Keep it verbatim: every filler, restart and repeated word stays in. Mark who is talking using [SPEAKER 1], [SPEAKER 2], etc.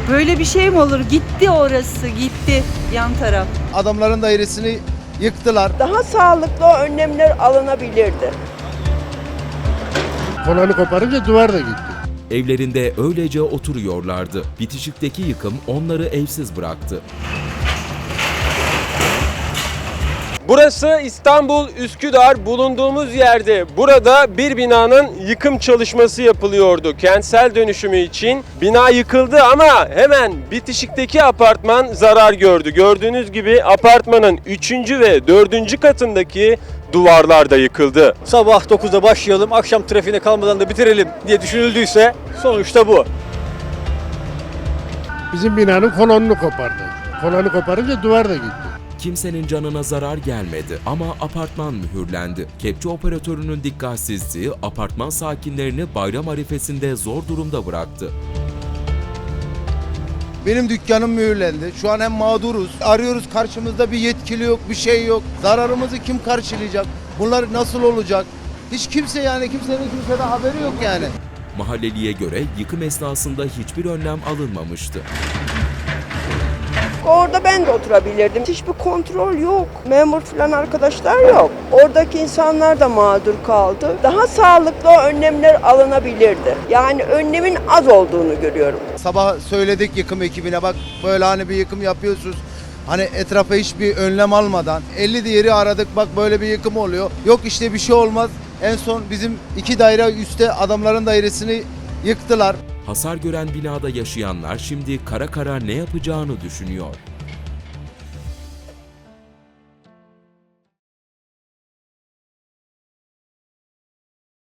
[SPEAKER 1] Böyle bir şey mi olur? Gitti orası, gitti yan taraf.
[SPEAKER 2] Adamların dairesini yıktılar.
[SPEAKER 3] Daha sağlıklı önlemler alınabilirdi.
[SPEAKER 4] Kolonu koparınca duvar da gitti.
[SPEAKER 5] Evlerinde öylece oturuyorlardı. Bitişikteki yıkım onları evsiz bıraktı.
[SPEAKER 6] Burası İstanbul Üsküdar, bulunduğumuz yerde. Burada bir binanın yıkım çalışması yapılıyordu. Kentsel dönüşümü için bina yıkıldı ama hemen bitişikteki apartman zarar gördü. Gördüğünüz gibi apartmanın üçüncü ve dördüncü katındaki duvarlar da yıkıldı.
[SPEAKER 7] Sabah dokuzda başlayalım, akşam trafiğine kalmadan da bitirelim diye düşünüldüyse sonuçta bu.
[SPEAKER 4] Bizim binanın kolonunu kopardı. Kolonu koparınca duvar da gitti.
[SPEAKER 5] Kimsenin canına zarar gelmedi ama apartman mühürlendi. Kepçe operatörünün dikkatsizliği apartman sakinlerini bayram arifesinde zor durumda bıraktı.
[SPEAKER 2] Benim dükkanım mühürlendi. Şu an hem mağduruz. Arıyoruz, karşımızda bir yetkili yok, bir şey yok. Zararımızı kim karşılayacak? Bunlar nasıl olacak? Hiç kimse yani kimsenin kimseden haberi yok yani.
[SPEAKER 5] Mahalleliye göre yıkım esnasında hiçbir önlem alınmamıştı.
[SPEAKER 3] Orada ben de oturabilirdim. Hiçbir kontrol yok. Memur falan arkadaşlar yok. Oradaki insanlar da mağdur kaldı. Daha sağlıklı önlemler alınabilirdi. Yani önlemin az olduğunu görüyorum.
[SPEAKER 2] Sabah söyledik yıkım ekibine, bak böyle hani bir yıkım yapıyorsunuz. Hani etrafa hiçbir önlem almadan elli diğeri aradık, bak böyle bir yıkım oluyor. Yok işte bir şey olmaz. En son bizim iki daire üstte adamların dairesini yıktılar.
[SPEAKER 5] Hasar gören binada yaşayanlar şimdi kara kara ne yapacağını düşünüyor.